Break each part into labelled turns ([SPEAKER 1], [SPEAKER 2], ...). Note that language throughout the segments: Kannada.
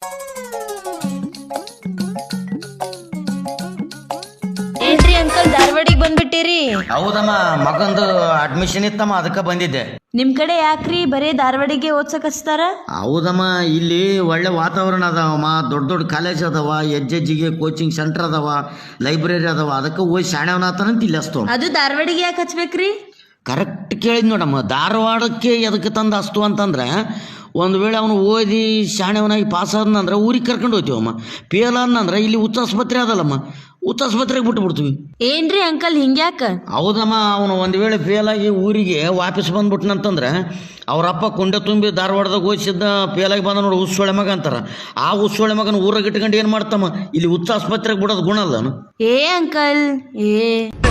[SPEAKER 1] ಏನ್ರಿ ಅಂಕಲ್ ಧಾರವಾಡಿಗೆ ಬಂದ್ಬಿಟ್ಟಿರಿ?
[SPEAKER 2] ಹೌದಮ್ಮ, ಮಗಂದು ಅಡ್ಮಿಷನ್ ಇತ್ತಮ್ಮ, ಅದಕ್ಕೆ ಬಂದಿದ್ದೆ.
[SPEAKER 1] ನಿಮ್ ಕಡೆ ಯಾಕ್ರಿ ಬರೇ ಧಾರವಾಡಿಗೆ ಓದ್ಸಕ್ ಹಚ್ತಾರ?
[SPEAKER 2] ಹೌದಮ್ಮ, ಇಲ್ಲಿ ಒಳ್ಳೆ ವಾತಾವರಣ ಅದಾವಮ್ಮ, ದೊಡ್ಡ ದೊಡ್ಡ ಕಾಲೇಜ್ ಅದಾವ, ಹೆಜ್ಜೆಜ್ಜಿಗೆ ಕೋಚಿಂಗ್ ಸೆಂಟರ್ ಅದಾವ, ಲೈಬ್ರರಿ ಅದಾವ, ಅದಕ್ಕೆ ಓದಿ ಶಾಣೆವನಾತನಂತ ಇಲ್ಲಿ ಅಸ್ತು.
[SPEAKER 1] ಅದು ಧಾರವಾಡಿಗೆ ಯಾಕೆ ಹಚ್ಬೇಕ್ರಿ?
[SPEAKER 2] ಕರೆಕ್ಟ್ ಕೇಳಿದ್ ನೋಡಮ್ಮ. ಧಾರವಾಡಕ್ಕೆ ಎದಕ್ಕೆ ತಂದು ಅಸ್ತು ಅಂತಂದ್ರೆ, ಒಂದು ವೇಳೆ ಅವನು ಓದಿ ಶಾಣೆವನಾಗಿ ಪಾಸ್ ಆದ್ನಂದ್ರೆ ಊರಿಗೆ ಕರ್ಕೊಂಡು ಹೋಗ್ತೀವಮ್ಮ. ಫೇಲ್ ಆದ್ನಂದ್ರೆ ಇಲ್ಲಿ ಹುಚ್ಚಾಸ್ಪತ್ರೆ ಅದಲ್ಲಮ್ಮ, ಹುಚ್ಚಾಸ್ಪತ್ರೆಗೆ ಬಿಟ್ಟು ಬಿಡ್ತೀವಿ.
[SPEAKER 1] ಏನ್ರಿ ಅಂಕಲ್ ಹಿಂಗ್ಯಾಕ?
[SPEAKER 2] ಹೌದಮ್ಮ, ಅವನು ಒಂದು ವೇಳೆ ಫೇಲ್ ಆಗಿ ಊರಿಗೆ ವಾಪಸ್ ಬಂದ್ಬಿಟ್ನಂತಂದ್ರೆ ಅವರಪ್ಪ ಕೊಂಡೆ ತುಂಬಿ ಧಾರವಾಡದಾಗ ಓದಿಸಿದ್ದ ಫೇಲಾಗಿ ಬಂದ ನೋಡಿ ಹುಸ್ಸೊಳೆ ಮಗ ಅಂತಾರ. ಆ ಹುಸ್ಸೊಳೆ ಮಗನ ಊರಾಗ ಇಟ್ಕೊಂಡು ಏನು ಮಾಡ್ತಮ್ಮ, ಇಲ್ಲಿ ಹುಚ್ಚಾಸ್ಪತ್ರೆಗೆ ಬಿಡೋದು ಗುಣ ಅಲ್ಲ.
[SPEAKER 1] ಏ ಅಂಕಲ್ ಏ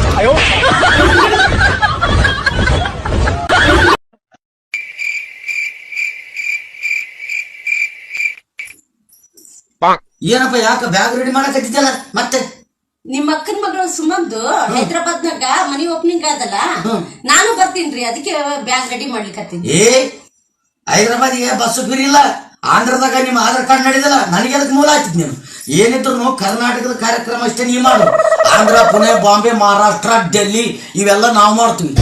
[SPEAKER 2] ಏನಪ್ಪ, ಯಾಕೆ ಬ್ಯಾಗ್ ರೆಡಿ ಮಾಡಕತ್ತಿದ್ದಲ್ಲ ಮತ್ತೆ?
[SPEAKER 3] ನಿಮ್ಮ ಅಕ್ಕನ ಮಗಳು ಸುಮಂದು ಹೈದ್ರಾಬಾದ್ನಾಗ ಮನಿ ಓಪನಿಂಗ್ ಆದಲ್ಲ, ನಾನು ಬರ್ತೀನ್ರಿ, ಅದಕ್ಕೆ ಬ್ಯಾಗ್ ರೆಡಿ ಮಾಡ್ಲಿಕ್ಕೆ.
[SPEAKER 2] ಏ ಹೈದ್ರಾಬಾದಿಗೆ ಬಸ್ಸು ಫ್ರೀ ಇಲ್ಲ, ಆಂಧ್ರದಾಗ ನಿಮ್ಮ ಆಧಾರ್ ಕಾರ್ಡ್ ನಡೆದಿಲ್ಲ, ನನಗೆ ಅದಕ್ಕೆ ಮೂಲ ಆಗ್ತಿದ್ ನೀನು. ಏನಿದ್ರು ಕರ್ನಾಟಕದ ಕಾರ್ಯಕ್ರಮ ಅಷ್ಟೇ ನೀ ಮಾಡು. ಆಂಧ್ರ, ಪುಣೆ, ಬಾಂಬೆ, ಮಹಾರಾಷ್ಟ್ರ, ಡೆಲ್ಲಿ ಇವೆಲ್ಲ ನಾವು ಮಾಡ್ತೀವಿ.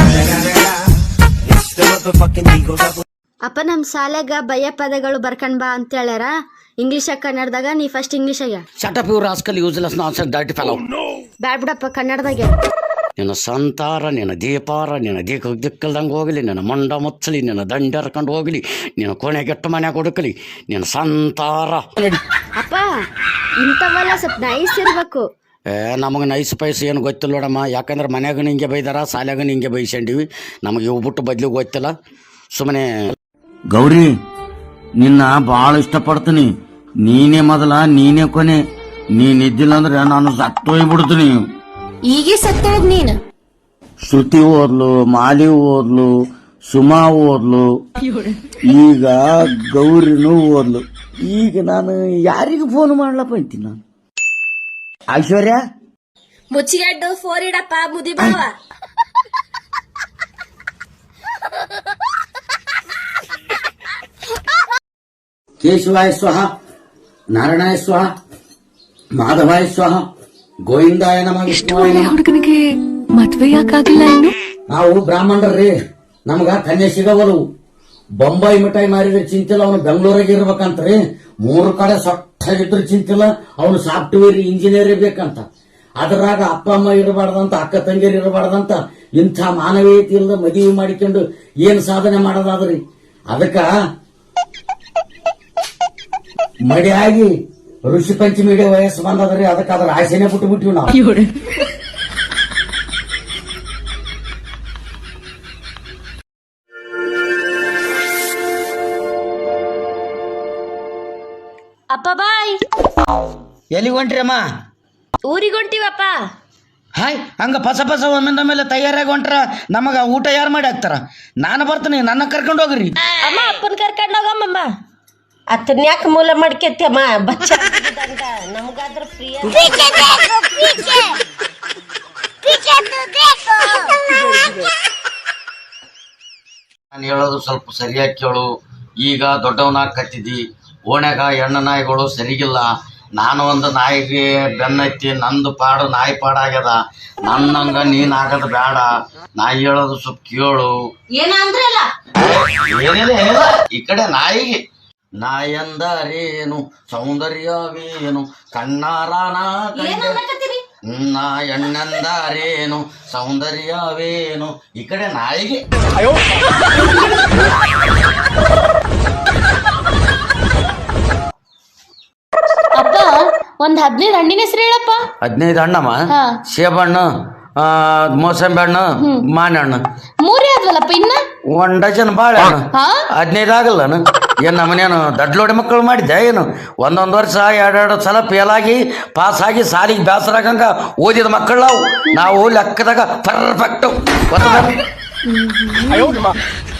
[SPEAKER 4] ಅಪ್ಪ ನಮ್ ಶಾಲೆಗ ಭಯ ಪದಗಳು ಬರ್ಕೊಂಡ್ ಬಾ ಅಂತ ಹೇಳ್ಯಾರ. ಇಂಗ್ಲಿಷ್ ಕನ್ನಡದಾಗ ನೀ ಫಸ್ಟ್ ಇಂಗ್ಲಿಷಾಗ.
[SPEAKER 2] Shut up your rascal useless nonsense dirty fellow.
[SPEAKER 4] Bad ಬಿಡಪ್ಪ ಕನ್ನಡದಾಗ.
[SPEAKER 2] ನಿನ್ನ ಸಂತಾರ, ನಿನ್ನ ದೀಪಾರ, ನಿನ್ನ ದಿಕ್ಕಲ್ದಂಗೆ ಹೋಗಲಿ, ನಿನ್ನ ಮಂಡ ಮುಚ್ಚಲಿ, ನಿನ್ನ ದಂಡ ಹರ್ಕೊಂಡು ಹೋಗಲಿ, ನಿನ್ನ ಕೊನೆಗೆಟ್ಟು ಮನೆ ಕೊಡುಕಲಿ, ನಿನ್ನ ಸಂತಾರ.
[SPEAKER 4] ಅಪ್ಪ ಇಂಥವೆಲ್ಲ ಸ್ವಲ್ಪ ನೈಸ್ ಇರ್ಬೇಕು.
[SPEAKER 2] ನಮಗೆ ನೈಸ್ ಪೈಸ್ ಏನು ಗೊತ್ತಿಲ್ಲ ನೋಡಮ್ಮ. ಯಾಕಂದ್ರೆ ಮನ್ಯಾಗ ನಿಂಗೆ ಬೈದಾರ, ಶಾಲ್ಯಾಗ ನಿಂಗೆ ಬೈಸಂಡಿವಿ, ನಮಗೆ ಇವು ಬಿಟ್ಟು ಬದ್ಲಿಗೆ ಗೊತ್ತಿಲ್ಲ. ಸುಮ್ಮನೆ ಗೌರಿ, ನಿನ್ನ ಭಾಳ ಇಷ್ಟಪಡ್ತೀನಿ. ನೀನೇ ಮೊದಲ, ನೀನೇ ಕೊನೆ. ನೀನಿದ್ದಿಲ್ಲ ಅಂದ್ರೆ ನಾನು ಸತ್ತೋಗ್ಬಿಡ್ತೀನಿ.
[SPEAKER 4] ಈಗೇ ಸತ್ತೋಗ್ ನೀನು.
[SPEAKER 2] ಶ್ರುತಿ ಓದ್ಲು, ಮಾಲಿ ಓದ್ಲು, ಸುಮಾ ಓದ್ಲು, ಈಗ ಗೌರಿನೂ ಓದ್ಲು. ಈಗ ನಾನು ಯಾರಿಗೆ ಫೋನ್ ಮಾಡ್ಲಪ್ಪ ಅಂತೀನಿ ನಾನು? ಐಶ್ವರ್ಯ,
[SPEAKER 4] ಮುಚ್ಚಿಗೆಡ್ಡು ಫೋರ್ ಇಡಪ್ಪ ಮುದಿ ಬಾವ.
[SPEAKER 2] ಕೇಶವಾಯ ಸ್ವಹ, ನಾರಾಯಣಾಯ ಸ್ವಹ, ಮಾಧವಾಯ ಸ್ವಹ, ಗೋವಿಂದಾಯ ನಮಃ, ವಿಷ್ಣುವಾಯ ನಮಃ.
[SPEAKER 5] ಹುಡುಗನಿಗೆ ಮದ್ವೆ ಯಾಕಾಗಿಲ್ಲ ಇನ್ನು?
[SPEAKER 2] ನಾವು ಬ್ರಾಹ್ಮಣರ್ರಿ, ನಮಗ ಕನ್ಯೆ ಸಿಗವಲು. ಬೊಂಬಾಯಿ ಮಿಠಾಯಿ ಮಾರಿದ್ರೆ ಚಿಂತಿಲ್ಲ, ಅವನು ಬೆಂಗಳೂರಾಗ ಇರ್ಬೇಕಂತ್ರಿ. 3 ಕಡೆ ಸೊಟ್ಟಾಗಿದ್ರು ಚಿಂತಿಲ್ಲ, ಅವನು ಸಾಫ್ಟ್ವೇರ್ ಇಂಜಿನಿಯರ್ ಇರ್ಬೇಕಂತ. ಅದರಾಗ ಅಪ್ಪ ಅಮ್ಮ ಇರಬಾರ್ದಂತ, ಅಕ್ಕ ತಂಗಿಯರು ಇರಬಾರ್ದಂತ. ಇಂಥ ಮಾನವೀಯತೆ ಇಲ್ಲದ ಮದುವೆ ಮಾಡಿಕೊಂಡು ಏನ್ ಸಾಧನೆ ಮಾಡೋದಾದ್ರಿ? ಅದಕ್ಕ ಮಡಿಯಾಗಿ ಋಷಿ ಪಂಚಮಿ ವಯಸ್ಸು ಬಂದದ್ರಿ, ಅದಕ್ಕೆ ಅದ್ರ ಆಸೆನೆ ಬಿಟ್ಟು ಬಿಟ್ಟಿವಿ ನಾವು.
[SPEAKER 1] ಅಪ್ಪ ಬಾಯ್.
[SPEAKER 2] ಎಲ್ಲಿಗೆ ಹೊಂಟ್ರಿ ಅಮ್ಮ?
[SPEAKER 1] ಊರಿಗೆ ಹೊಂಟಿವಪ್ಪ.
[SPEAKER 2] ಹಾಯ್, ಹಂಗ ಪಸ ಒಮ್ಮಿಂದ ಮೇಲೆ ತಯಾರಾಗಿ ಹೊಂಟ್ರ ನಮಗ ಊಟ ಯಾರು ಮಾಡಿ ಹಾಕ್ತಾರ? ನಾನು ಬರ್ತೀನಿ, ನನ್ನ ಕರ್ಕೊಂಡು ಹೋಗ್ರಿ.
[SPEAKER 1] ಅಮ್ಮ ಅಪ್ಪನ ಕರ್ಕೊಂಡು ಹೋಗಮ್ಮ.
[SPEAKER 3] ಅತ್ತನ್ ಯಾಕೆ ಮೂಲ ಮಾಡ್ಕೆತ್ತಮ್ಮ, ಬಚ್ಚ ನಮ್ಗಾದ್ರ ಫ್ರೀ.
[SPEAKER 2] ನಾನು ಹೇಳೋದು ಸ್ವಲ್ಪ ಸರಿಯಾಗಿ ಕೇಳು. ಈಗ ದೊಡ್ಡವನಾಗ ಕತ್ತಿದ್ದಿ, ಓಣ್ಯಾಗ ಹೆಣ್ಣು ನಾಯಿಗಳು ಸರಿಗಿಲ್ಲ. ನಾನು ಒಂದು ನಾಯಿಗೆ ಬೆನ್ನತ್ತಿ, ನಂದು ಪಾಡು ನಾಯಿ ಪಾಡಾಗ್ಯದ. ನನ್ನಂಗ ನೀನ್ ಆಗದ ಬೇಡ. ನಾಯಿ ಹೇಳೋದು ಸ್ವಲ್ಪ ಕೇಳು.
[SPEAKER 3] ಏನಂದ್ರಲ್ಲ
[SPEAKER 2] ಏನಿಲ್ಲ, ಈ ಕಡೆ ನಾಯಿಗೆ. ನಾಯಂದರೇನು ಸೌಂದರ್ಯವೇನು ಕಣ್ಣಾರಾನ ನಾ ಎಣ್ಣಂದರೇನು ಸೌಂದರ್ಯವೇನು, ಈ ಕಡೆ ನಾಯಿಗೆ.
[SPEAKER 1] ಅಪ್ಪ ಒಂದ್ 15 ಹಣ್ಣಿನ ಹೆಸರು ಹೇಳಪ್ಪ.
[SPEAKER 2] 15 ಹಣ್ಣಮ್ಮ? ಸೇಬಣ್ಣು, ಮೋಸಂಬಿ ಹಣ್ಣು, ಮಾನೆ ಹಣ್ಣು.
[SPEAKER 1] 3 ಆದ್ವಲ್ಲಪ್ಪ ಇನ್ನ
[SPEAKER 2] 1 ಡಜನ್ ಬಾಳೆಹಣ್ಣು. 15 ಆಗಲ್ಲನು? ಏನ್ ನಮ್ಮನೇನು ದಡ್ಲೋಡಿ ಮಕ್ಕಳು ಮಾಡಿದ್ದೆ ಏನು? ಒಂದೊಂದು ವರ್ಷ 2 ಸಲ ಫೇಲ್ ಆಗಿ ಪಾಸ್ ಆಗಿ ಸಾಲಿಗೆ ಬೇಸರಾಗಂಗ ಓದಿದ ಮಕ್ಕಳು ನಾವು ಲೆಕ್ಕದಾಗ ಪರ್ಫೆಕ್ಟ್.